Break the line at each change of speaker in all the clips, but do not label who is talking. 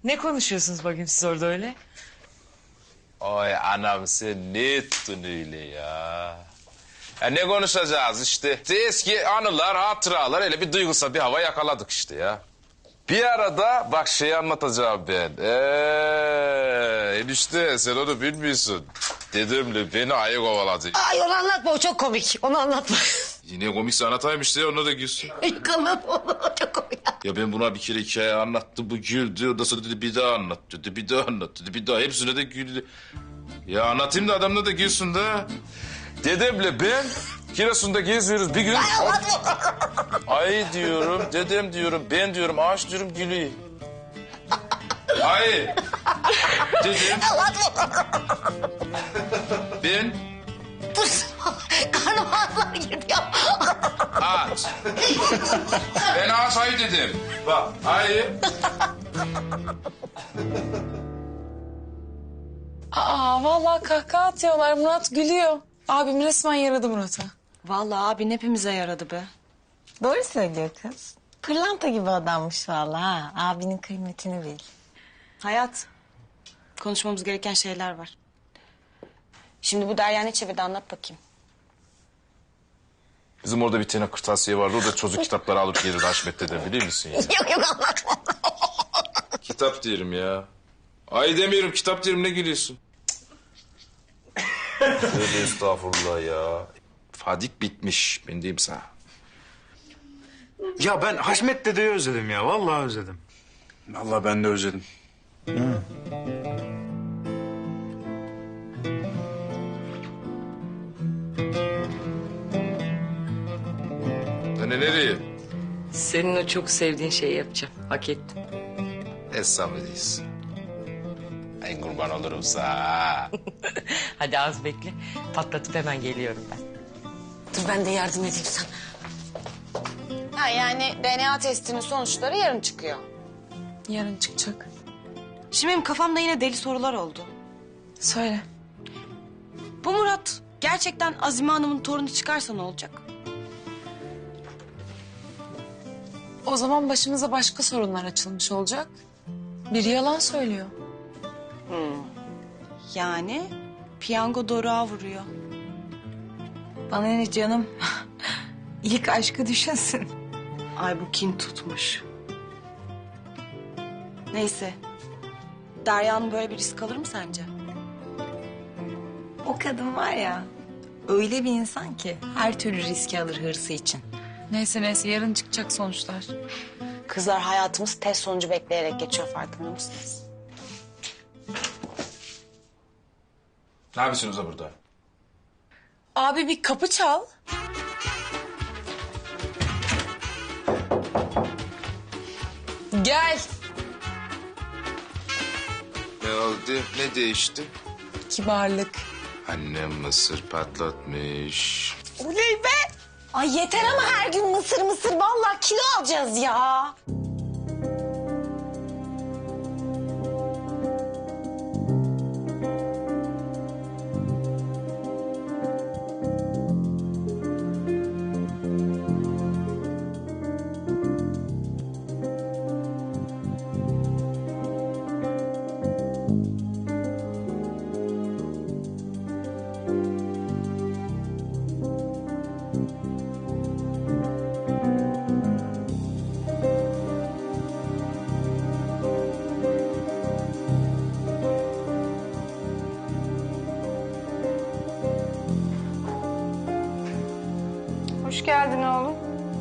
Ne konuşuyorsunuz bakayım siz orada öyle?
Ay anam sen ne ettin öyle ya? Ya ne konuşacağız işte? Eski anılar, hatıralar, öyle bir duygusal bir hava yakaladık işte ya. Bir arada bak şeyi anlatacağım ben. Enişte sen onu bilmiyorsun. Dedemle beni ayı kovaladı.
Ay onu anlatma, o çok komik. Onu anlatma.
Yine komikse anlatayım işte, onu da gülsün.
Anlatma onu, o çok komik.
Ya ben buna bir kere hikaye anlattım, bu güldü. Ondan sonra dedi bir daha anlat dedi, bir daha anlat dedi, bir daha. Hepsine de güldü. Ya anlatayım da adamla da gülsün de. Dedemle ben Giresun'da geziyoruz bir gün. Ay diyorum, dedem diyorum, ben diyorum, ağaç diyorum gülüyor. Ay. Dedem. Ben.
Karnım ağrılar giriyor.
Ağaç. Ben ağaç ayı dedim. Bak ayı.
Aa vallahi kahkaha atıyorlar. Murat gülüyor. Abim resmen yaradı Murat'a.
Vallahi abin hepimize yaradı be.
Doğru söylüyor kız. Pırlanta gibi adammış vallahi ha. Abinin kıymetini bil.
Hayat, konuşmamız gereken şeyler var. Şimdi bu Derya ne çevirdi anlat bakayım.
Bizim orada bir tane kırtasiye vardı. O da çocuk kitapları alıp gelirdi Haşmet dede, biliyor musun ya?
Yok anlatma.
Kitap diyorum ya. Ay demiyorum, kitap diyorum, ne gülüyorsun? Tövbe estağfurullah ya. Fadik bitmiş, ben diyeyim sana.
Ya ben Haşmet dedeyi özledim ya. Vallahi özledim.
Vallahi ben de özledim.
Hani nereye?
Senin o çok sevdiğin şeyi yapacağım. Hak ettin.
Estağfurullah. En kurban olurum sana.
Hadi az bekle. Patlatıp hemen geliyorum ben.
Dur ben de yardım edeyim sana.
Ha yani DNA testinin sonuçları yarın çıkıyor.
Yarın çıkacak.
Şimdi benim kafamda yine deli sorular oldu.
Söyle.
Bu Murat gerçekten Azime Hanım'ın torunu çıkarsa ne olacak?
O zaman başımıza başka sorunlar açılmış olacak. Biri yalan söylüyor.
Yani piyango doruğa vuruyor.
Bana ne canım? İlk aşkı düşünsün.
Ay bu kin tutmuş. Neyse. Derya'nın böyle bir risk alır mı sence?
O kadın var ya, öyle bir insan ki her türlü riski alır hırsı için.
Neyse yarın çıkacak sonuçlar.
Kızlar hayatımız test sonucu bekleyerek geçiyor farkında mısınız?
Ne yapıyorsunuz da burada?
Abi bir kapı çal. Gel.
Ne oldu? Ne değişti?
Kibarlık.
Annem mısır patlatmış.
Oley be! Ay yeter ama her gün mısır mısır. Vallahi kilo alacağız ya.
Hoş geldin oğlum.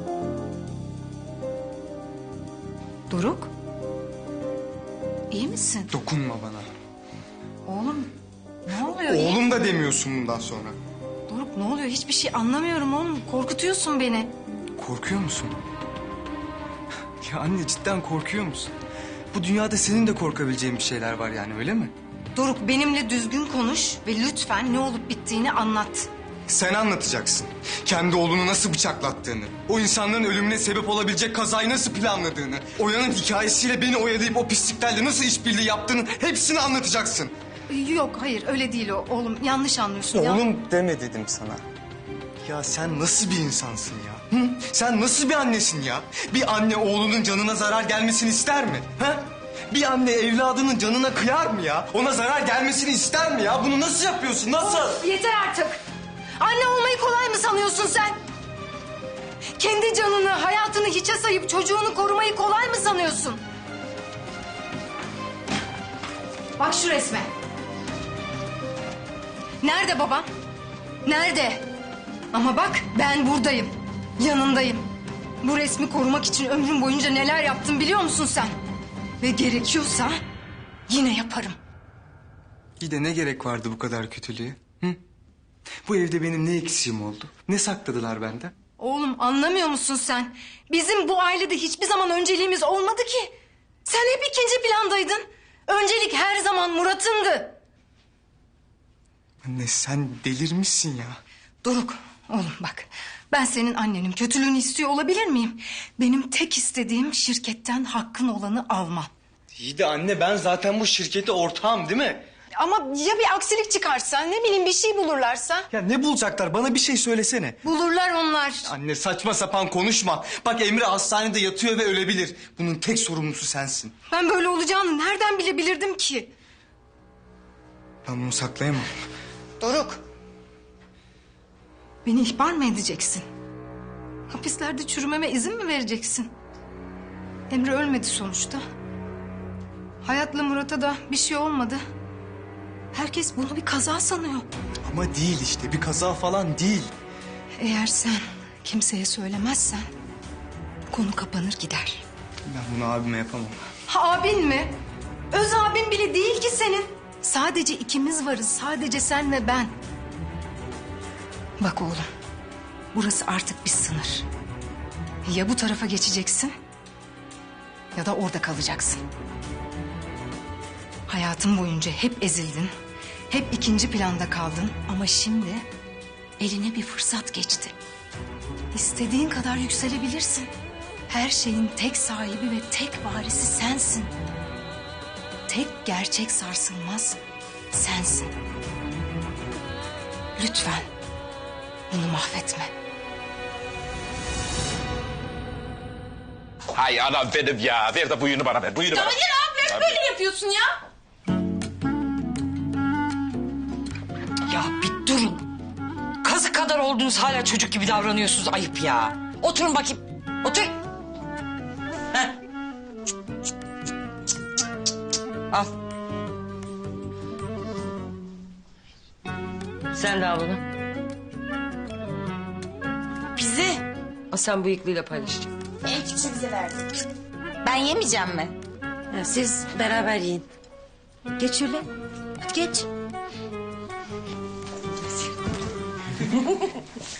Doruk. İyi misin?
Dokunma bana.
Oğlum ne oluyor?
Oğlum da demiyorsun bundan sonra.
Doruk ne oluyor? Hiçbir şey anlamıyorum oğlum. Korkutuyorsun beni.
Korkuyor musun? Ya anne cidden korkuyor musun? Bu dünyada senin de korkabileceğin bir şeyler var yani, öyle mi?
Doruk benimle düzgün konuş ve lütfen ne olup bittiğini anlat.
Sen anlatacaksın. Kendi oğlunu nasıl bıçaklattığını, o insanların ölümüne sebep olabilecek kazayı nasıl planladığını, Oya'nın hikayesiyle beni oyalayıp o pisliklerle nasıl işbirliği yaptığını hepsini anlatacaksın.
Yok hayır öyle değil o oğlum yanlış anlıyorsun ya.
Oğlum deme dedim sana. Ya sen nasıl bir insansın ya? Hı? Sen nasıl bir annesin ya? Bir anne oğlunun canına zarar gelmesini ister mi? Ha? Bir anne evladının canına kıyar mı ya? Ona zarar gelmesini ister mi ya? Bunu nasıl yapıyorsun? Nasıl?
Yeter artık. Anne olmayı kolay mı sanıyorsun sen? Kendi canını, hayatını hiçe sayıp çocuğunu korumayı kolay mı sanıyorsun? Bak şu resme. Nerede babam? Nerede? Ama bak ben buradayım. Yanındayım. Bu resmi korumak için ömrüm boyunca neler yaptım biliyor musun sen? Ve gerekiyorsa yine yaparım.
Bir de ne gerek vardı bu kadar kötülüğe? Hı? Bu evde benim ne eksiğim oldu? Ne sakladılar benden?
Oğlum anlamıyor musun sen? Bizim bu ailede hiçbir zaman önceliğimiz olmadı ki. Sen hep ikinci plandaydın. Öncelik her zaman Murat'ındı.
Anne sen delirmişsin ya.
Doruk, oğlum bak. Ben senin annenin kötülüğünü istiyor olabilir miyim? Benim tek istediğim şirketten hakkın olanı alman.
İyi de anne ben zaten bu şirkete ortağım değil mi?
Ama ya bir aksilik çıkarsa, ne bileyim bir şey bulurlarsa?
Ya ne bulacaklar? Bana bir şey söylesene.
Bulurlar onlar.
Anne saçma sapan konuşma. Bak Emre hastanede yatıyor ve ölebilir. Bunun tek sorumlusu sensin.
Ben böyle olacağını nereden bilebilirdim ki?
Ben bunu saklayamam.
Doruk. Beni ihbar mı edeceksin? Hapislerde çürümeme izin mi vereceksin? Emre ölmedi sonuçta. Hayat'la Murat'a da bir şey olmadı. Herkes bunu bir kaza sanıyor.
Ama değil işte bir kaza falan değil.
Eğer sen kimseye söylemezsen bu konu kapanır gider.
Ben bunu abime yapamam.
Ha, abin mi? Öz abin bile değil ki senin. Sadece ikimiz varız. Sadece sen ve ben. Bak oğlum. Burası artık bir sınır. Ya bu tarafa geçeceksin ya da orada kalacaksın. Hayatın boyunca hep ezildin. Hep ikinci planda kaldın. Ama şimdi eline bir fırsat geçti. İstediğin kadar yükselebilirsin. Her şeyin tek sahibi ve tek varisi sensin. Tek gerçek sarsılmaz sensin. Lütfen bunu mahvetme.
Hay anam benim ya. Ver de buyunu bana ver. Buyunu bana.
Hayır abi böyle yapıyorsun ya.
Ya bir durun. Kazık kadar oldunuz hala çocuk gibi davranıyorsunuz. Ayıp ya. Oturun bakayım. Otur. Heh. Al. Sen de al bunu.
Bizi.
Al sen bıyıklıyla paylaş.
En küçüğü bize verdi. Ben yemeyeceğim mi?
Ha, siz beraber yiyin. Geç şöyle. Hadi geç.